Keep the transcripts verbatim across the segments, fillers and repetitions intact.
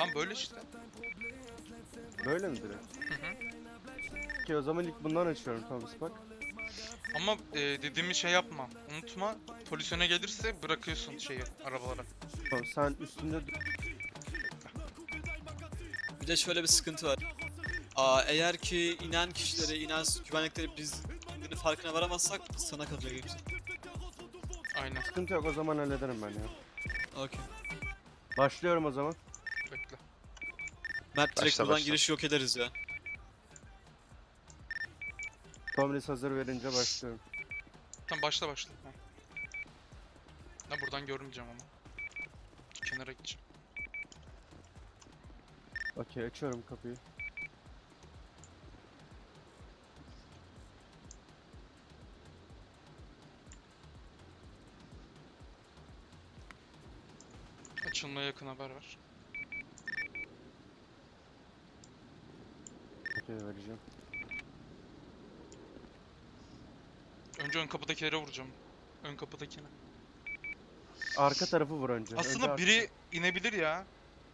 Tam böyle işte. Böyle mi direkt? Hı hı. Ki o zaman ilk bundan açıyorum Thomas bak. Ama e, dediğimi şey yapma. Unutma. Polis öne gelirse bırakıyorsun şeyi arabalara. Tamam, sen üstünde Bir de şöyle bir sıkıntı var. Aa, eğer ki inen kişileri, inen güvenlikleri biz indiğinin farkına varamazsak sana kalacak hepsi. Aynen. sıkıntı yok, o zaman hallederim ben ya. Okey. Başlıyorum o zaman. Bekle. Mert direkt Başla, buradan başla. giriş yok ederiz ya. Tomris hazır verince başlıyorum. Tamam başla başla. Ha. Ben buradan görmeyeceğim ama. Kenara gideceğim. Okey, açıyorum kapıyı. Açılmaya yakın haber ver. Okey, vereceğim. Önce ön kapıdakilere vuracağım. Ön kapıdakine. Arka tarafı vur önce. Önce Aslında arka- biri inebilir ya.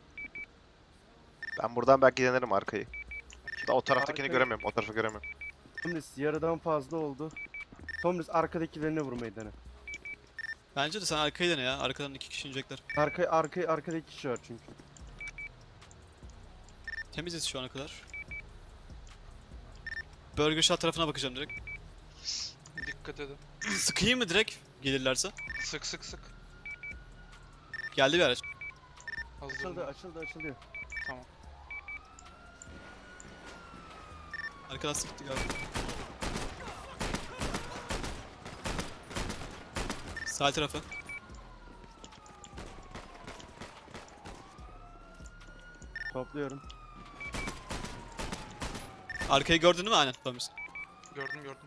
Ben buradan belki denerim arkayı. Da o taraftakini Arkayı- göremiyorum. O tarafı göremiyorum. Tomris yarıdan fazla oldu. Tomris arkadakilerine vurmayı dene. Bence de sen arkayı dene ya. Arkadan iki kişi inecekler. Arka, arka, arkadaki kişi var çünkü. Temiziz şu ana kadar. Burger Shot tarafına bakacağım direkt. Dikkat edin. Sıkayım mı direkt gelirlerse? Sık sık sık. Geldi bir araç. Açıldı, Hazırım. açıldı, açılıyor. Tamam. Arkadan sıktı galiba. Sağ tarafı. Topluyorum. Arkayı gördün mü? Aynen. Tamam. Gördüm gördüm.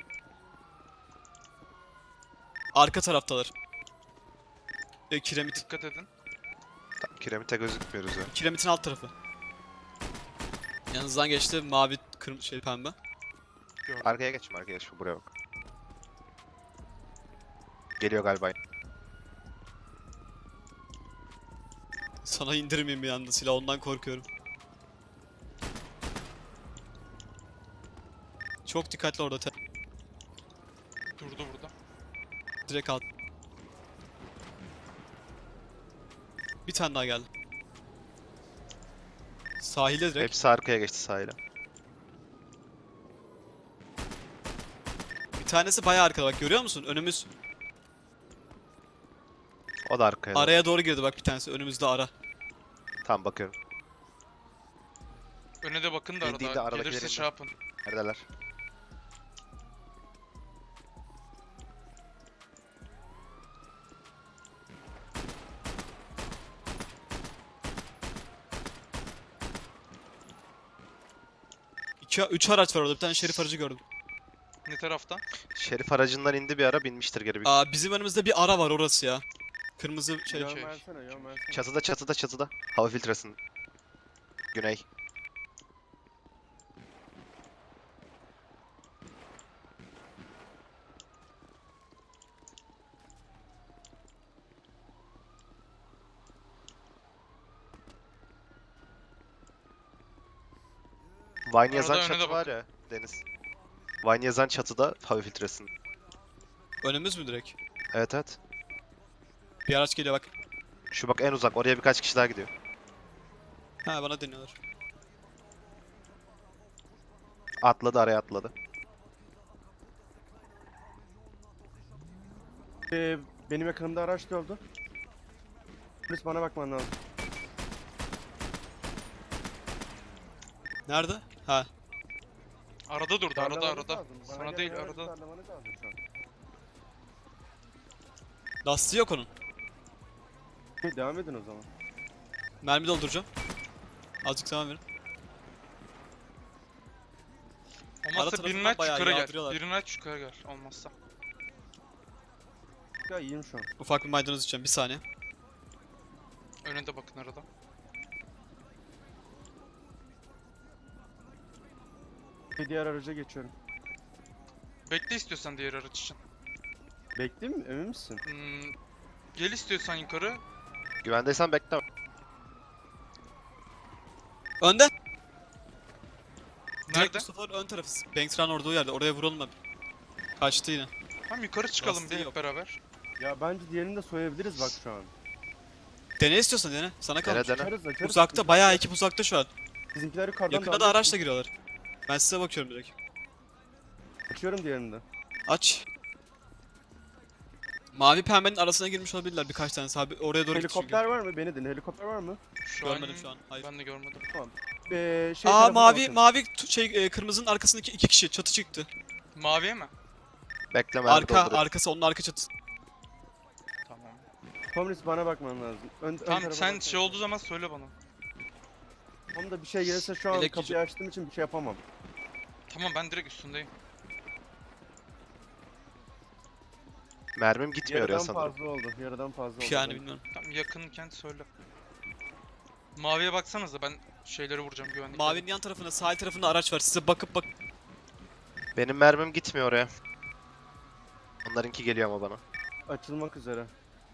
Arka taraftalar. E, kiremit. Dikkat edin. Tam kiremite gözükmüyoruz ya. Kiremitin alt tarafı. Yanınızdan geçti mavi, kırmızı şey pembe. Gördüm. Arkaya geçme, arkaya geçme. Buraya bak. Geliyor galiba. Sana indirmeyeyim bir anda silah, ondan korkuyorum. Çok dikkatli orada. te- Durdu burada. Direkt alt. Bir tane daha geldi. Sahilde direkt. Hepsi arkaya geçti sahile. Bir tanesi bayağı arkada bak, görüyor musun? Önümüz O da arkaya. Araya... araya doğru girdi bak, bir tanesi önümüzde ara. Tamam, bakıyorum. Öne de bakın da İndiğinde arada. aradakilerin Gelirse de. şey yapın. Neredeler? İki, üç araç var orada, bir tane şerif aracı gördüm. Ne tarafta? Şerif aracından indi bir ara, binmiştir geri bir. Aa, bizim önümüzde bir ara var, orası ya. Kırmızı şey. Yön şey. versene, yön versene. Çatıda, çatıda, çatıda. Hava filtresinin. Güney. Vine yazan Arada öne de çatı var ya Deniz. Vine yazan çatıda hava filtresinin. Önümüz mü direkt? Evet evet. Bir araç geliyor bak. Şu bak en uzak. Oraya birkaç kişi daha gidiyor. Ha, bana deniyorlar. Atladı, araya atladı. Ee, benim yakınımda araç gördü. Tomris bana bakman lazım. Nerede? Ha. Arada durdu. Arada Darlamanız arada. lazım. Bana Sana gelen değil aracı arada. darlamanız lazım şu an. Lastiği yok onun. Okey, devam edin o zaman. Mermi dolduracağım. Azıcık zaman verin. Olmazsa tarafından birini aç bayağı yukarı gel. yağdırıyorlar. Birini aç yukarı gel. Olmazsa. Ya iyiyim şu an. Ufak bir maydanoz içeceğim, bir saniye. Öne de bakın arada. Bir diğer araca geçiyorum. Bekle istiyorsan diğer araç için. Bekleyeyim mi? Emin misin? Hmm, gel istiyorsan yukarı. Güvendeysen bekle. Önde. Direkt Nerede? Mustafa'nın ön tarafı. Banksran orada o yerde. Oraya vuralım abi. Kaçtı yine. Tamam yukarı çıkalım Lastiği bir yok. hep beraber. Ya bence diğerini de soyabiliriz bak şu an. Dene istiyorsan dene. Sana Dene kalmış. dene. Açarız açarız. Uzakta, bayağı ekip uzakta şu an. Bizimkiler yukarıdan Yakında da darlıyor. araçla giriyorlar. Ben size bakıyorum direkt. Açıyorum diğerini de. Aç. Mavi pembenin arasına girmiş olabilirler birkaç tanesi abi. Oraya doğru gitti çünkü. Helikopter var mı? Beni dinle. Helikopter var mı? Şu Görmedim şu an. Hayır. Ben de görmedim. Ee, şey Aa tarafına mavi bakın. mavi tu- şey e, kırmızının arkasındaki iki kişi çatı çıktı. Maviye mi? Bekle mermi Arka dolduruyorum. arkası onun arka çatısı. Tamam. Komünist bana bakman lazım. Ön, ön Tamam tarafa sen baksana. şey olduğu zaman söyle bana. Onda bir şey gelirse şu an Elek kapıyı açtığım için bir şey yapamam. Tamam ben direkt üstündeyim. Mermim gitmiyor ya Yarıdan sanırım. fazla oldu. Yarıdan fazla oldu. Yani benim. bilmiyorum. Tamam yakınken söyle. Maviye baksanıza ben şeyleri vuracağım güvenlikleri. Mavinin yan tarafında sahil tarafında araç var. Size bakıp bak. Benim mermim gitmiyor oraya. Onlarınki geliyor ama bana. Açılmak üzere.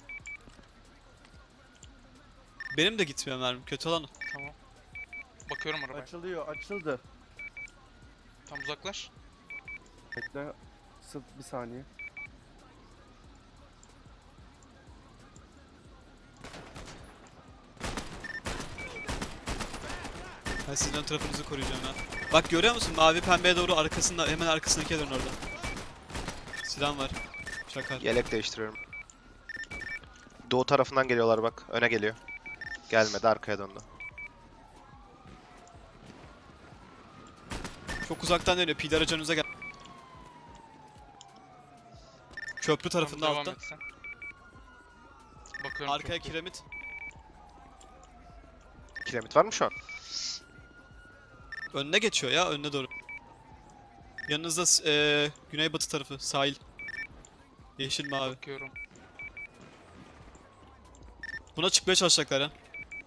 Benim de gitmiyor mermim. Kötü olan o. Tamam. Bakıyorum arabaya. Açılıyor. Açıldı. Tam uzaklaş. Bekle. Sıf bir saniye. Ben sizin ön tarafınızı koruyacağım ya. Bak görüyor musun? Mavi pembeye doğru arkasında hemen arkasındaki dön orada. Silah var. Şaka. Yelek değiştiriyorum. Doğu tarafından geliyorlar bak. Öne geliyor. Gelmedi, arkaya döndü. Çok uzaktan dönüyor. Pide aracınıza gel. Köprü Tamam, tarafında devam altta. et sen. Bakıyorum. Arkaya çok iyi. kiremit. Kiremit var mı şu an? Önüne geçiyor ya. Önüne doğru. Yanınızda s- eee güneybatı tarafı. Sahil. Yeşil mavi. Bakıyorum. Buna çıkmaya çalışacaklar ya.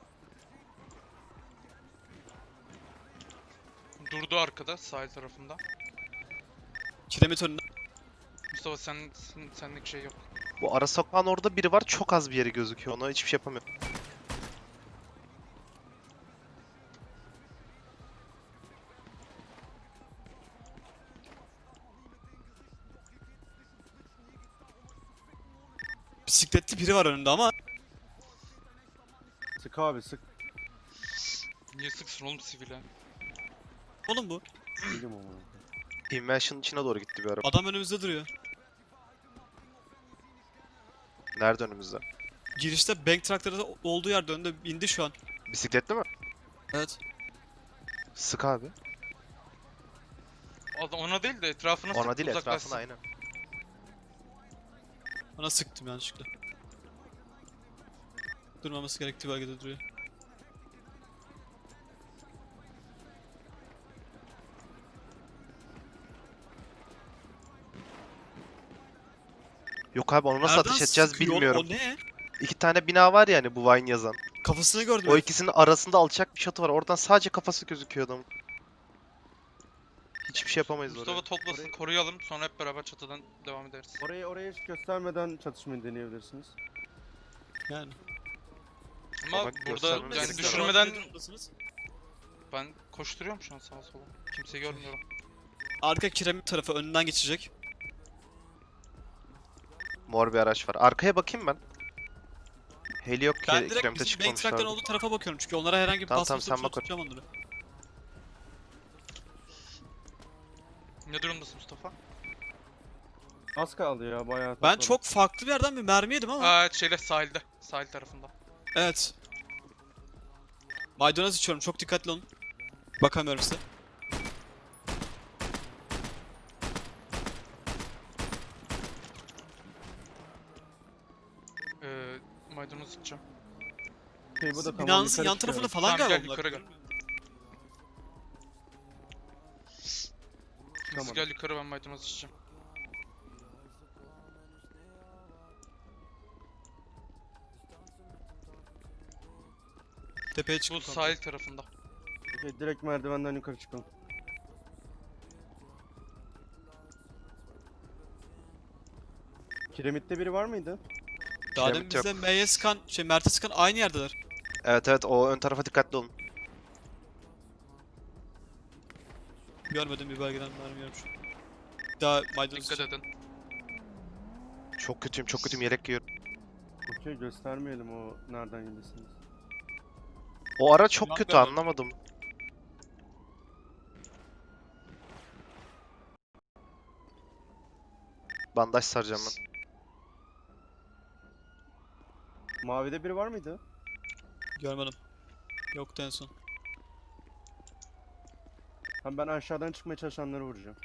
Durdu arkada sahil tarafında. Kiremit önünde. Mustafa sen, sen senlik şey yok. Bu ara sokağın orada biri var. Çok az bir yeri gözüküyor. Ona hiçbir şey yapamıyorum. Bisikletli biri var önünde ama. Sık abi sık. Niye sıksın oğlum sivile? Oğlum bu. Değilim ama. Invention'ın içine doğru gitti bir araba. Adam önümüzde duruyor. Nerede önümüzde? Girişte bank traktörü olduğu yerde önünde indi şu an. Bisikletli mi? Evet. Sık abi. Adam ona değil de etrafına Ona sık değil uzaklaşsın. etrafına aynen. Bana sıktım yanlışlıkla. Durmaması gerektiği bölgede duruyor. Yok abi onu nasıl Nereden ateş edeceğiz sıkıyor oğlum? bilmiyorum. O ne? İki tane bina var yani bu Vine yazan. Kafasını gördüm. O herif. ikisinin arasında alçak bir çatı var. Oradan sadece kafası gözüküyor adamın. Hiçbir şey yapamayız Mustafa oraya. toplasın Orayı- koruyalım sonra hep beraber çatıdan devam ederiz. Orayı oraya hiç göstermeden çatışmayı deneyebilirsiniz. Yani. Ama Ama burada göstermemiz yani gerekiyor. düşürmeden Ne durumdasınız? ben koşturuyorum şu an sağa sola. Kimseyi görmüyorum. Arka kiremit tarafı önünden geçecek. Mor bir araç var. Arkaya bakayım ben. Heli yok ki Ben direkt kiremite bizim bank traktörün çıkmamışlar. olduğu tarafa bakıyorum çünkü onlara herhangi bir Tamam, basmış tamam, sen bak. tutacağım onları. Ne durumdasın Mustafa? Az kaldı ya bayağı. Ben topladım. çok farklı bir yerden bir mermi yedim ama. Aa şeyle sahilde. Sahil tarafında. Evet. Maydanoz içiyorum çok dikkatli olun. Bakamıyorum size. Ee, maydanoz sıkacağım. Şey, bu da tamam, Binanızın yukarı yan tarafında çıkıyorum. falan Tamam, galiba gel, bunlar. yukarı gel. Tamam. Siz gel yukarı ben maydanoz içeceğim. Tepeye Bu çıkın. sahil tarafında. Okey, direkt merdivenden yukarı çıkalım. Kiremitte biri var mıydı? Daha demin Kiremit yok. bizde M Y S'kan, şey Mert'e sıkan aynı yerdeler. Evet evet o ön tarafa dikkatli olun. Görmedim bir bölgeden mermi görmüş. Daha maydanoz Dikkat için. edin. Çok kötüyüm çok kötüyüm yelek giyiyorum. Okey göstermeyelim o nereden gelirsiniz. O ara çok Yan kötü görmedim. anlamadım. Bandaj saracağım ben. Mavide biri var mıydı? Görmedim. Yoktu en son. Hem ben aşağıdan çıkmaya çalışanları vuracağım.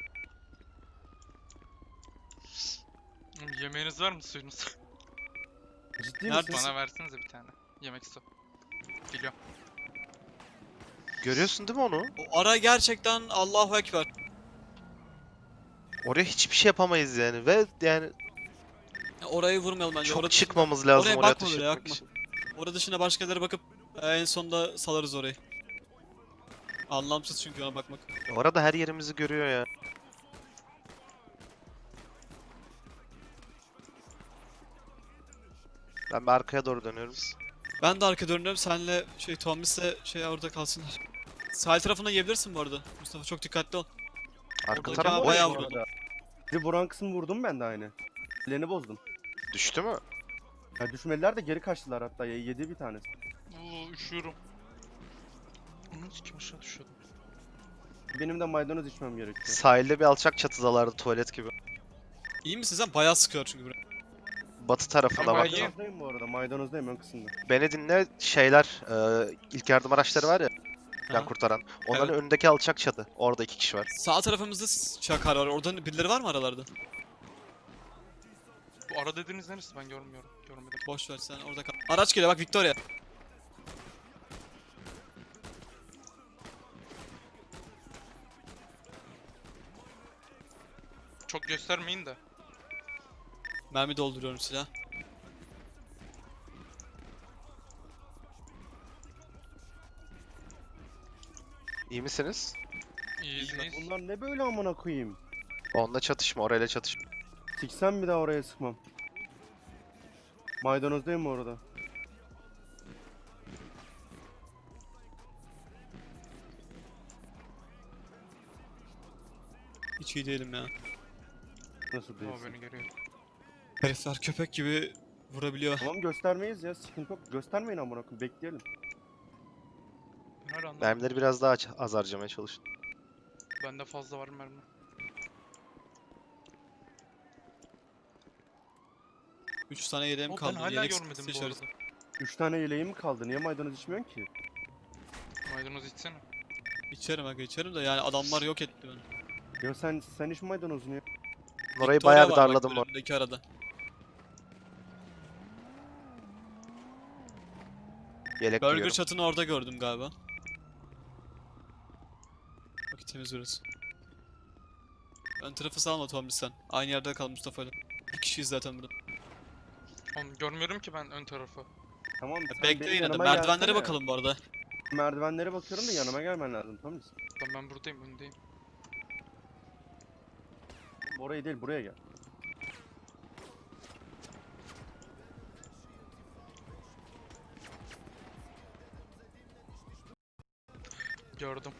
Yemeğiniz var mı, suyunuz? Ciddi Neredesin? misin? Bana versenize bir tane. Yemek su. Geliyor. Görüyorsun değil mi onu? O ara gerçekten Allahu Ekber. Oraya hiçbir şey yapamayız yani ve yani Ya orayı vurmayalım bence. çok Orada çıkmamız lazım oraya oraya bakma ateş bile, etmek bakma. için. Orada dışına başkaları bakıp e, en sonunda salarız orayı. Anlamsız çünkü ona bakmak. Orada her yerimizi görüyor ya. Ben bir arkaya doğru dönüyorum. Ben de arka dönüyorum. Senle şey Tomis'le şey orada kalsınlar. Sahil tarafına yiyebilirsin bu arada. Mustafa çok dikkatli ol. Arka Oradaki taraf abi boş bayağı mu? vurdu. Bizi vuran kısmı vurdum ben de aynı. Ellerini bozdum. Düştü mü? Ya düşmediler de geri kaçtılar hatta. Ya, yedi bir tanesi. Oo, üşüyorum. Onun kim aşağı düşüyordum. Benim de maydanoz içmem gerekiyor. Sahilde bir alçak çatıdalardı tuvalet gibi. İyi misin sen? Bayağı sıkıyor çünkü buraya. Batı tarafında Ama bak. iyi. Maydanozdayım bu arada. Maydanozdayım ön kısımda. Beni dinle şeyler e, ilk yardım araçları var ya can Ha. kurtaran. Onların önündeki alçak çatı. Orada iki kişi var. Sağ tarafımızda s- çakar var. Orada birileri var mı aralarda? Bu ara dediğiniz neresi, ben görmüyorum. Görmedim. Boş ver sen orada kal. Araç geliyor bak Victoria. Çok göstermeyin de. Mermi dolduruyorum silah. İyi misiniz? İyiyiz Ya iyiyiz. bunlar ne böyle amına koyayım? Onunla çatışma, orayla çatışma. Siksem bir daha oraya sıkmam. Maydanozdayım bu arada. Hiç iyi değilim ya. Nasıl O değilsin? beni görüyor. Herifler köpek gibi vurabiliyor. Tamam göstermeyiz ya. Sıkıntı yok. Göstermeyin amına koyayım. Bekleyelim. Ben hala anlamadım. Mermileri biraz daha aç- az harcamaya çalışın. Bende fazla var mermi. Üç tane yeleğim O, ben kaldı. hala Yelek görmedim sıkıntısı bu yaşarız. arada. Üç tane yeleğim mi kaldı? Niye maydanoz içmiyorsun ki? Maydanoz içsene. İçerim aga içerim de yani adamlar yok etti beni. Ya sen sen iç maydanozunu ya. Orayı Victoria bayağı bir var bak darladım bu. önümdeki arada. Yelek Burger giyiyorum. çatını orada gördüm galiba. Bak temiz burası. Ön tarafı salma Tommy sen. Aynı yerde kal Mustafa'yla. Bir kişiyiz zaten burada. Oğlum görmüyorum ki ben ön tarafı. Tamam sen Bekle benim yine de yanıma merdivenlere gelsene. bakalım bu arada. Merdivenlere bakıyorum da yanıma gelmen lazım tamam mı? Lan ben buradayım, öndeyim. Oraya değil buraya gel. Gördüm.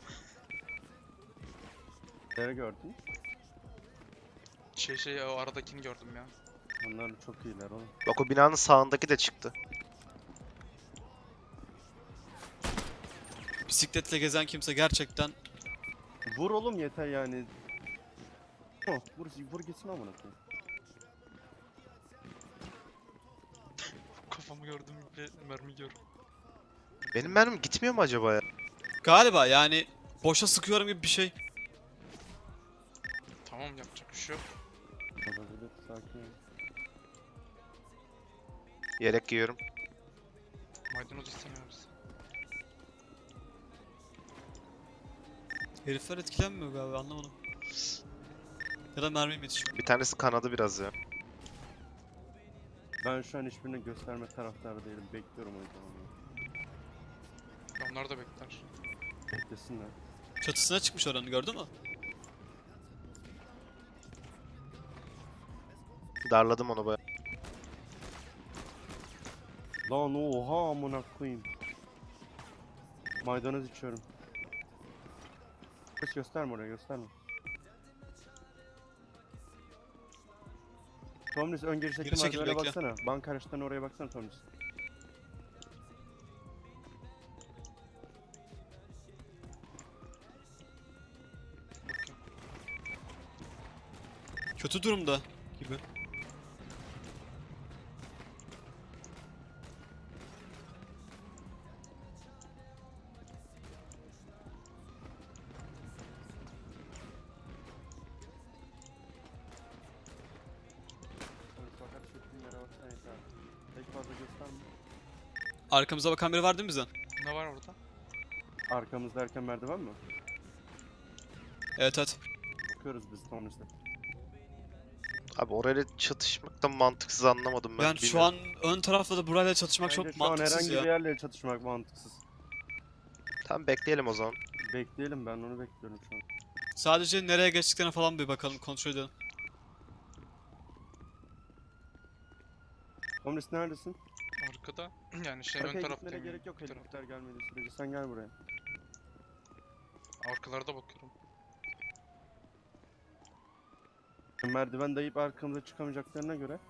Nereye gördün? Şey şey o aradakini gördüm ya. Onlar çok iyiler oğlum. Bak o binanın sağındaki de çıktı. Bisikletle gezen kimse gerçekten Vur oğlum yeter yani. Oh, vur, vur gitsin amına koyayım. Kafamı gördüm ve mermi yiyorum. Benim mermim gitmiyor mu acaba ya? galiba yani boşa sıkıyorum gibi bir şey. Tamam, yapacak bir şey yok. Olabilir sakin ol. Yelek giyiyorum. Maydanoz istemiyoruz. Herifler etkilenmiyor galiba anlamadım. Ya da mermim yetişiyor. Bir tanesi kanadı biraz ya. Ben şu an hiçbirini gösterme taraftarı değilim. Bekliyorum o yüzden onu. Onlar da bekler. Beklesinler. Çatısına çıkmış oranı gördün mü? Darladım onu bayağı. Lan oha amına koyayım. Maydanoz içiyorum. Boris gösterme oraya gösterme. Tomris ön girişteki Geri çekil, merdivene bekle. baksana. Banka araçlarına oraya baksana Tomris. Bakayım. Kötü durumda gibi. Tomris fakat çektiğin yere baksana yeter. Pek fazla gösterme. Arkamıza bakan biri var değil mi bizden? Ne var orada? Arkamızda erken merdiven mi? Evet evet. Bakıyoruz biz Tomris'le. Abi orayla çatışmaktan mantıksız anlamadım ben. Yani şu bilmiyorum. an ön tarafta da burayla çatışmak Bence çok şu an mantıksız herhangi ya. bir yerle çatışmak mantıksız. Tamam bekleyelim o zaman. Bekleyelim, ben onu bekliyorum şu an. Sadece nereye geçtiklerine falan bir bakalım, kontrol edelim. Tomris neredesin? Arkada. Yani şey ön Arkaya gitmene taraftayım. gerek yok bir taraf. helikopter gelmediği sürece. Sen gel buraya. Arkalarda bakıyorum. Merdiven dayayıp arkamıza çıkamayacaklarına göre.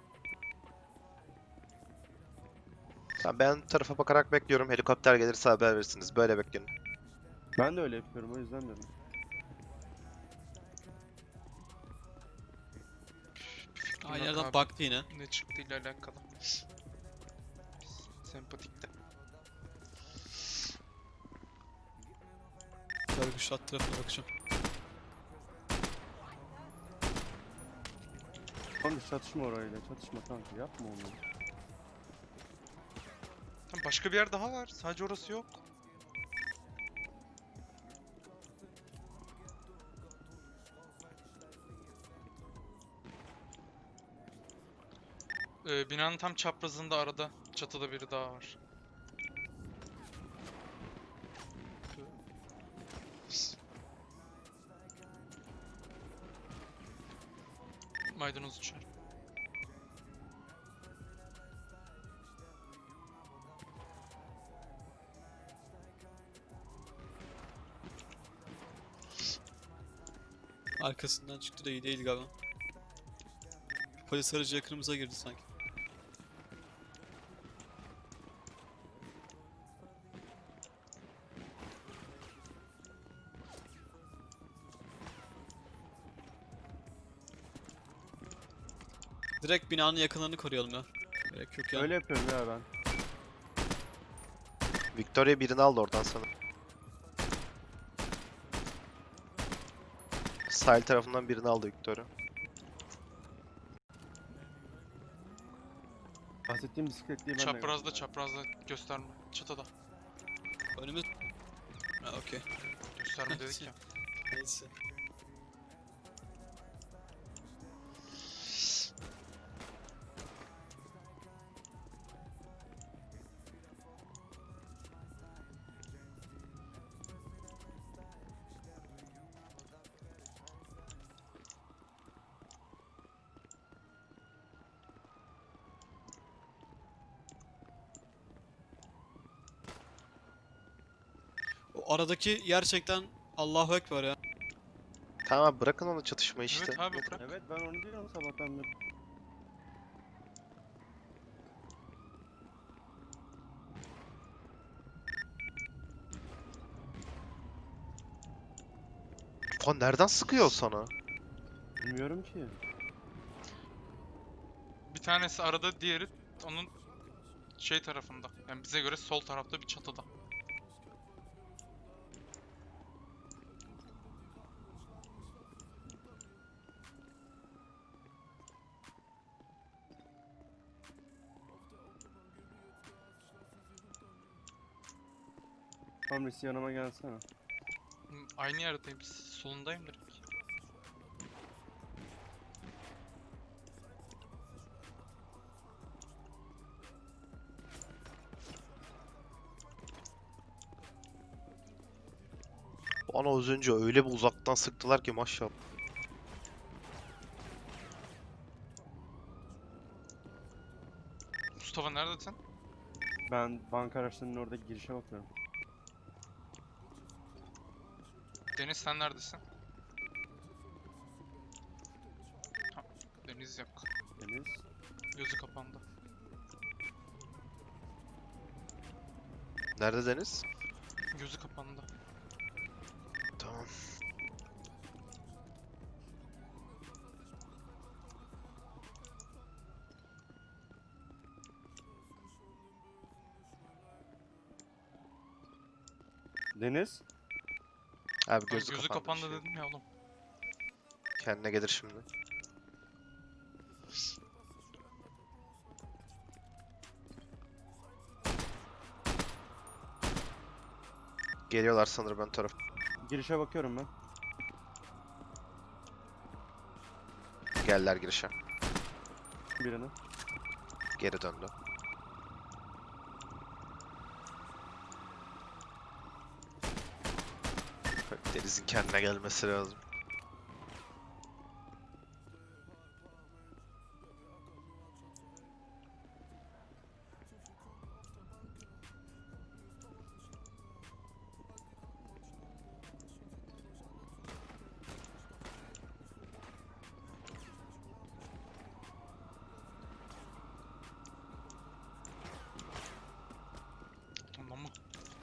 Tamam ben tarafa bakarak bekliyorum. Helikopter gelirse haber verirsiniz. Böyle bekleyin. Ben de öyle yapıyorum, o yüzden diyorum. Aynı Yok yerden abi. baktı yine. Ne çıktığıyla alakalı. Sempatikte. Görgüç at tarafına bakacağım. Tomris çatışma orayla, çatışma kanka, yapma onu. Tam başka bir yer daha var. Sadece orası yok. Ee, binanın tam çaprazında arada çatıda biri daha var. Maydanoz uçar. Arkasından çıktı da iyi değil galiba. Polis aracı yakınımıza girdi sanki. Direkt binanın yakınlarını koruyalım ya. Gerek yok yani. Öyle yapıyorum ya ben. Victoria birini aldı oradan sana. Sahil tarafından birini aldı Victoria. Bahsettiğim bisikletliyi ben de Çaprazda gördüm. çaprazda gösterme. Çatıda. Önümüz... Ha okey. Gösterme dedik ya. Neyse. O aradaki gerçekten Allahu Ekber ya. Tamam abi bırakın onu çatışma işte. Evet abi bırak. Evet, ben onu diyorum sabahtan beri. Lan nereden sıkıyor sana? Bilmiyorum ki. Bir tanesi arada, diğeri onun şey tarafında. Yani bize göre sol tarafta bir çatıda. Tomris yanıma gelsene. Hı, aynı yerdeyim. Solundayım direkt. Bana az önce öyle bir uzaktan sıktılar ki maşallah. Mustafa neredesin? Ben banka araçlarının orada girişe bakıyorum. Deniz sen neredesin? Ha, Deniz yok. Deniz. Gözü kapandı. Nerede Deniz? Gözü kapandı. Tamam. Deniz. Abi Ay, gözü, gözü kapandı, kapandı bir şey. dedim ya oğlum. Kendine gelir şimdi. Geliyorlar sanırım ön taraf. Girişe bakıyorum ben. Geldiler girişe. Birine. Geri döndü. Deniz'in kendine gelmesi lazım. Tamam mı?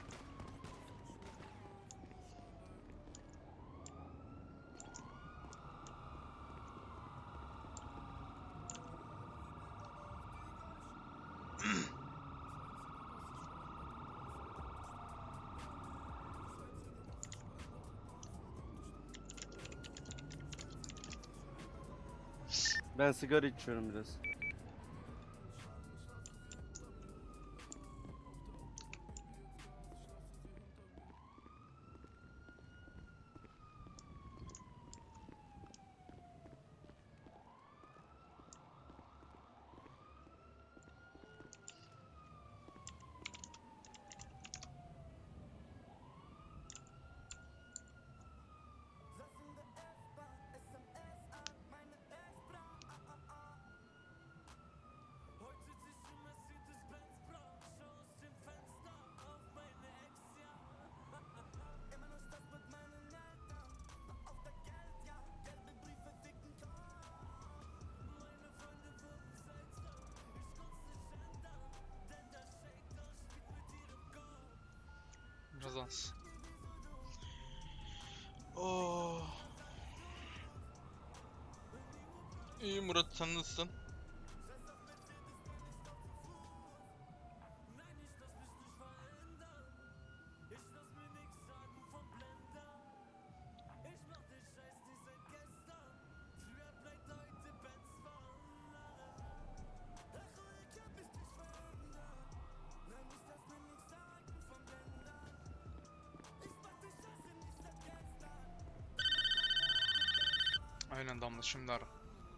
Ben sigara içiyorum biraz. Biraz az. Oh. İyi Murat, sen nasılsın? Aynen Damla, şimdi ara.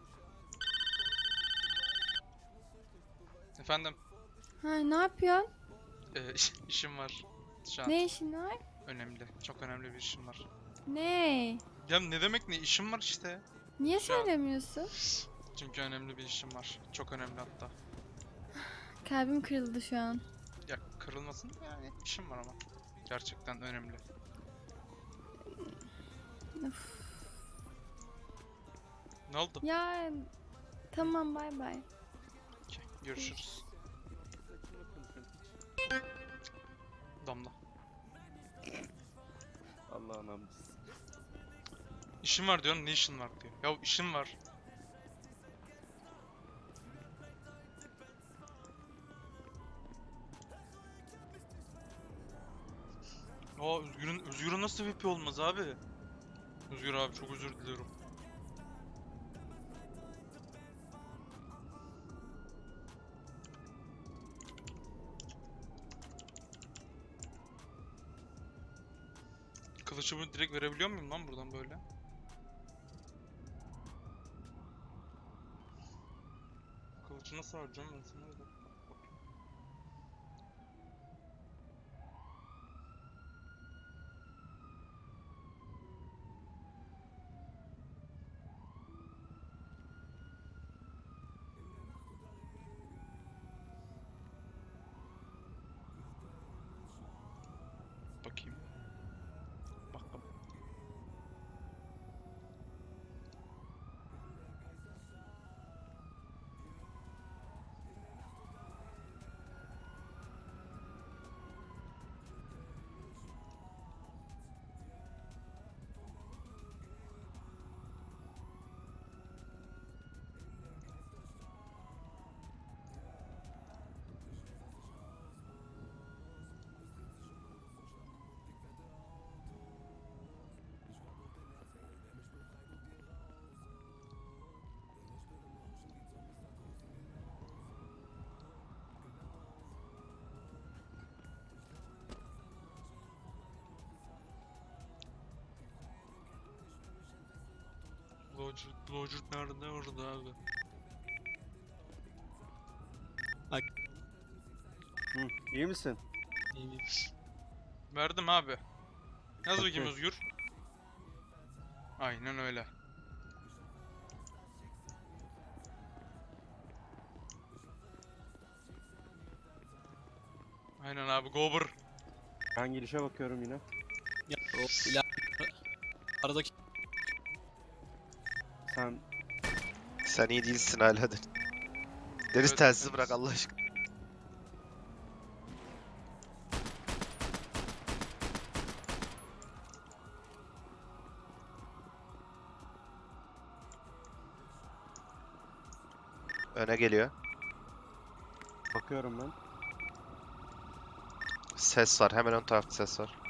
Efendim, Ha, ne yapıyorsun? e, iş- işim var şu an. Ne işin var? Önemli, çok önemli bir işim var. Ne? Ya ne demek ne, işim var işte. Niye Şu an- söylemiyorsun? Çünkü önemli bir işim var. Çok önemli hatta. Kalbim kırıldı şu an. Ya kırılmasın da yani, işim var ama. Gerçekten önemli. Of. Ne oldu? Ya tamam, bay bay. Okey, görüşürüz. Damla. Allah'ın amcısı. İşim var diyorum, ne işin var diyor. Ya işim var. Aa, Özgür'ün Özgür'ün nasıl V P olmaz abi? Özgür abi, çok özür diliyorum. Kılıcımı direkt verebiliyor muyum lan buradan böyle? Kılıcı nasıl harcayacağım ben sana? Bir dakika. Bakayım. Bakalım. Lodge, Lodge nerede orada abi? Hı, iyi misin? İyi, iyi. Verdim abi. Yaz bakayım Okey. Özgür. Aynen öyle. Aynen abi Gober. Ben girişe bakıyorum yine. Ya, o iler... Aradaki Sen Sen iyi değilsin hala. Deniz, Deniz Evet, telsizi Deniz. bırak Allah aşkına. Öne geliyor. bakıyorum ben. Ses var. Hemen ön tarafta ses var.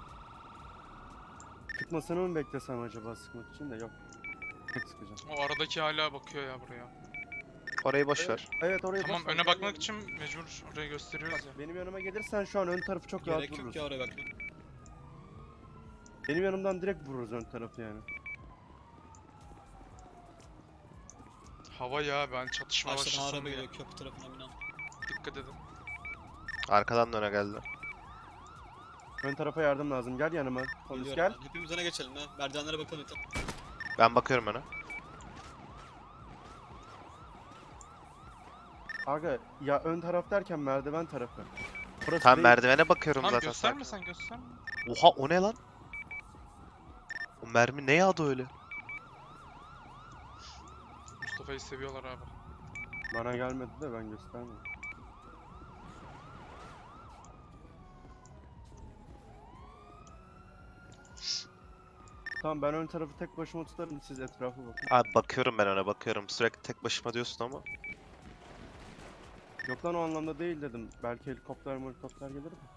Çıkmasını mı beklesem acaba sıkmak için de yok. Tek sıkacağım. O aradaki hala bakıyor ya buraya. Orayı boş ver. Evet, evet orayı Tamam boş ver, öne gel bakmak yanıma. için mecbur orayı gösteriyoruz ya. Bak, benim yanıma gelirsen şu an ön tarafı çok rahat gerek yok vururuz. ya oraya bakma. Benim yanımdan direkt vururuz ön tarafı yani. Hava ya ben çatışma Karşıdan başlasın araba diye. geliyor köprü tarafına binen. Dikkat edin. Arkadan da öne geldi. Ön tarafa yardım lazım. Gel yanıma. Polis Geliyorum gel. ben. Hepimiz öne geçelim ha. Merdivenlere bakalım yeter. Ben bakıyorum öne. Aga ya ön taraf derken merdiven tarafı. Burası Tam değil. merdivene bakıyorum Tamam zaten. gösterme sakin. sen gösterme. Oha o ne lan? O mermi ne yağdı öyle? Mustafa'yı seviyorlar abi. Bana gelmedi de ben göstermedim. Tamam ben ön tarafı tek başıma tutarım siz etrafa bakın. Abi bakıyorum ben öne bakıyorum. Sürekli tek başıma diyorsun ama. Yok lan o anlamda değil dedim. Belki helikopter helikopter gelir mi?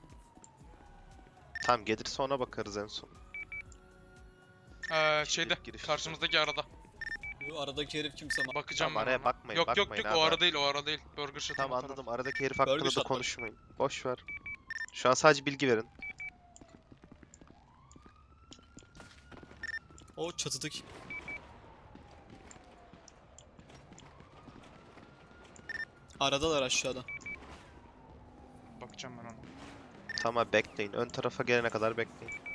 Tamam gelirse ona bakarız en son. Ee, Şimdilik şeyde giriş karşımızdaki arada. Bu aradaki herif kimse ama. Bakacağım Tamam, ben araya ona. bakmayın, Yok yok bakmayın yok abi. o ara değil o ara değil. Burger Shot'un Tamam o taraf. anladım. Aradaki herif hakkında da shot bak. konuşmayın. Boş ver. Şu an sadece bilgi verin. O çatıdaki. Aradalar aşağıda. Bakacağım ben ona. Tamam bekleyin. Ön tarafa gelene kadar bekleyin.